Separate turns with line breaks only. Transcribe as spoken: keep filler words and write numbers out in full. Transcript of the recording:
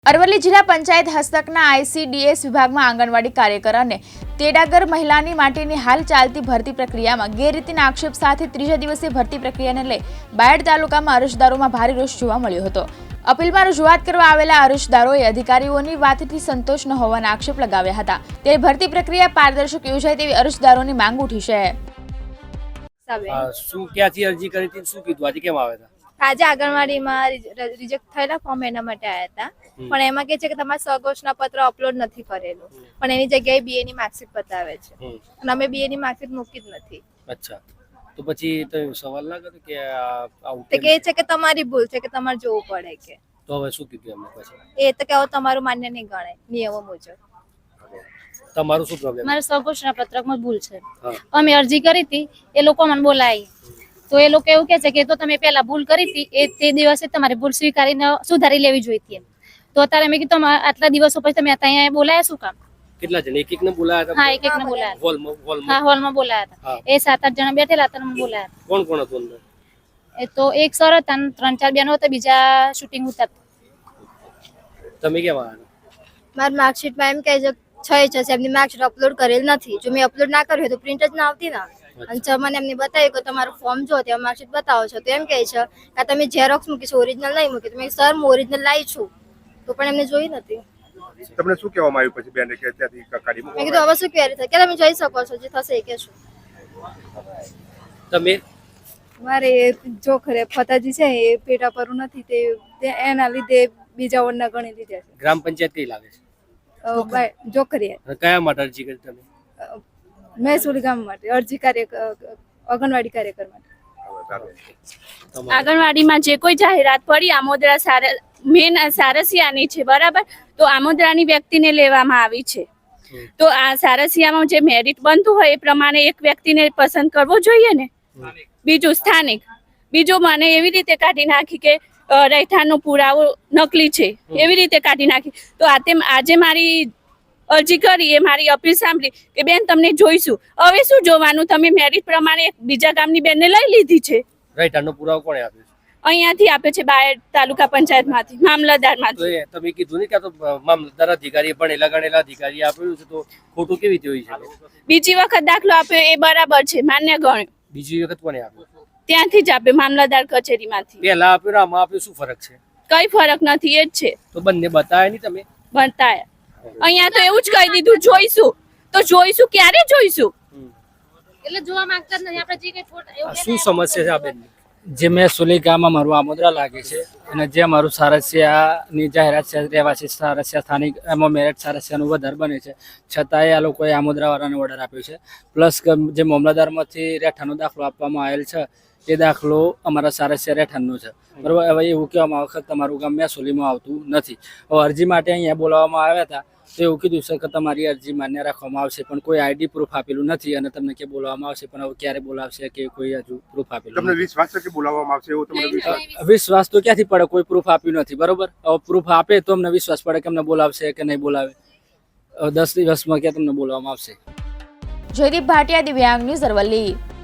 અરવલ્લી જિલ્લા પંચાયત હસ્તકના આઈસીડીએસ વિભાગમાં આંગણવાડી કાર્યકર અને તેડાગર મહિલાની માટેની હાલ ચાલતી ભરતી પ્રક્રિયામાં ગેરરીતિના આક્ષેપ સાથે ત્રીજા દિવસે ભરતી પ્રક્રિયાને લઈ બાયડ તાલુકામાં અરજદારોમાં ભારે રોષ જોવા મળ્યો હતો। અપીલમાં રજૂઆત કરવા આવેલા અરજદારોએ અધિકારીઓની વાતથી સંતોષ ન હોવાના આક્ષેપ લગાવ્યા હતા। ત્યારે ભરતી પ્રક્રિયા પારદર્શક યોજાય તેવી અરજદારોની માંગ ઉઠી છે।
શું ક્યાંથી અરજી કરી હતી, શું કીધું, આજે કેમ આવ્યા હતા?
આજે આંગણવાડીમાં રિજેક્ટ થયેલા ફોર્મ એના માટે આવ્યા હતા, પણ એમાં કે છે કે તમારા સગોચના પત્ર અપલોડ નથી કરેલું, પણ એની જગ્યાએ બીએ ની માર્કશીટ બતાવે છે અને અમે બીએ ની માર્કશીટ મૂકી જ નથી।
અચ્છા, તો પછી તો સવાલ ના કર્યો કે આવું
તે કહે છે કે તમારી ભૂલ છે, કે તમારે જોવું પડે કે
તો હવે શું કીધું એમને પછી?
એ તો કે હવે તમારું માન્ય નહીં ગણાય નિયમો મુજબ।
તમારું શું પ્રોબ્લેમ?
મારા સગોચના પત્રકમાં ભૂલ છે, અમે અરજી કરી હતી, એ લોકો મને બોલાવી તો એ લોકો એવું કહે છે કે તો તમે પહેલા ભૂલ કરી હતી એ તે દિવસે તમારે ભૂલ સ્વીકારીને સુધારી લેવી જોઈતી એમ। તો અત્યારે મેં કીધું આટલા દિવસો પછી તમે અહીંયા બોલાયા શું કામ?
કેટલા જણ? એક એક ને બોલાયા હતા?
હા, એક એક ને બોલાયા હતા,
હોલમાં હોલમાં
હા હોલમાં બોલાયા હતા। એ સાત આઠ જણા બેઠેલા હતા, મને બોલાયા હતા।
કોણ કોણ હતું અંદર?
એ તો એક સર હતા, ત્રણ ચાર બેનો હતા, બીજા શૂટિંગ હતા।
તમે કેમ આવ્યા?
મારી માર્કશીટમાં એમ કહે છે છ છે એમની માર્કશીટ અપલોડ કરેલ નથી, જો મેં અપલોડ ના કર્યું તો પ્રિન્ટ જ ના આવતી ને। અને છ મને એમને બતાવ્યું કે તમારું ફોર્મ જો ત્યાં માર્કશીટ બતાવો છો, તો એમ કહે છે કે તમે ઝેરોક્સ મૂકીશું, ઓરિજિનલ નહીં મૂકી। તો મેં સર હું ઓરિજિનલ લાવી છું, તો પણ એમને જોઈ નથી।
તમને શું કહેવામાં આવ્યું પછી બેને કે ત્યાંથી કાઢી મૂકો?
મેં કીધું હવે શું ક્વેરી થાય કે તમે જોઈ શકો છો, જે થશે એ કહેશું।
તમે
મારે જો ખરે ફતાજી છે એ પેટા પર નથી, તે એના લીધે બીજા વરના ગણી લીધા છે।
ગ્રામ પંચાયત કઈ લાગે છે?
જોખરી
કયા માટે અરજી કરી તમે?
મહેસૂલી ગામ માટે અરજી કાર્ય આંગણવાડી કાર્યકર માટે।
આંગણવાડીમાં જે કોઈ જાહેરાત પડી આમોદરા સાર મેન સારસિયાની છે, બરાબર? તો આમોદરાની વ્યક્તિને લેવામાં આવી છે, તો આ સારસિયામાં જે મેરિટ બનતું હોય એ પ્રમાણે એક વ્યક્તિને પસંદ કરવો જોઈએ ને। બીજું સ્થાનિક, બીજું મને એવી રીતે કાઢી નાખી કે રહેઠાણનો પુરાવો નકલી છે, એવી રીતે કાઢી નાખી। તો આ તેમ આજે મારી અરજી કરી, એ મારી અપીલ સાંભળી કે બેન તમને જોઈશું। હવે શું જોવાનું, તમે મેરિટ પ્રમાણે બીજા ગામની બેનને લઈ લીધી છે।
રહેઠાણનો પુરાવો કોણે આપ્યો છે?
અહીંયાથી આપે છે, બાયડ તાલુકા પંચાયતમાંથી, મામલતદારમાંથી।
તો તમે કીધું ને કે આ તો મામલતદાર અધિકારી ભણેલા ગણેલા અધિકારી આપ્યું છે, તો ખોટું કેવી રીતે હોય છે?
બીજી વખત દાખલો આપ્યો એ બરાબર છે, માન્ય ગણ્યો।
બીજી વખત કોને આપ્યું?
ત્યાંથી જ આપ્યો, મામલતદાર કચેરીમાંથી।
પહેલા આપ્યું ને આમાં આપ્યું, શું ફરક છે?
કઈ ફરક નથી, એ જ છે।
તો બંને બતાવે નહીં તમે?
બતાયા અહીંયા તો એવું જ કહી દીધું જોઈશું, તો જોઈશું ક્યારે જોઈશું? એટલે જોવા માંગતા જ નહીં આપણે, જે કઈ ફોટા
શું સમસ્યા છે આ બેન?
જે મહેસૂલી ગામ અમારું આમોદરા લાગે છે અને જે અમારું સારસિયાની જાહેરાત છે, રહેવાસી સારસિયા સ્થાનિક એમાં મેરિટ સારસિયાનું વધારે બને છે, છતાંય આ લોકોએ આમોદરાવાળાને ઓર્ડર આપ્યો છે। પ્લસ જે મામલતદારમાંથી રહેઠાણનો દાખલો આપવામાં આવેલ છે, એ દાખલો અમારા સારસિયા રહેઠાણનો છે, બરાબર? હવે એવું કહેવામાં આવે કે તમારું ગામ મહેસૂલીમાં આવતું નથી। હવે અરજી માટે અહીંયા બોલાવવામાં આવ્યા હતા, તો એવું કીધું છે કે તમારી અરજી માન્ય રાખવામાં આવશે, પણ કોઈ આઈડી પ્રૂફ આપેલું નથી અને તમને કે બોલાવવામાં આવશે, પણ હવે ક્યારે બોલાવશે કે કોઈ હજુ પ્રૂફ આપેલું
તમને વિશ્વાસ છે કે બોલાવવામાં આવશે એવો તમને વિશ્વાસ?
વિશ્વાસ તો ક્યાંથી પડે, કોઈ પ્રૂફ આપ્યું નથી, બરોબર? હવે પ્રૂફ આપે તો અમને વિશ્વાસ પડે કે અમને બોલાવશે કે નહીં બોલાવે। દસ દિવસમાં ક્યાં તમને બોલાવવામાં આવશે?
જયદીપ ભાટિયા, દિવ્યાંગ ન્યૂઝ, અરવલ્લી।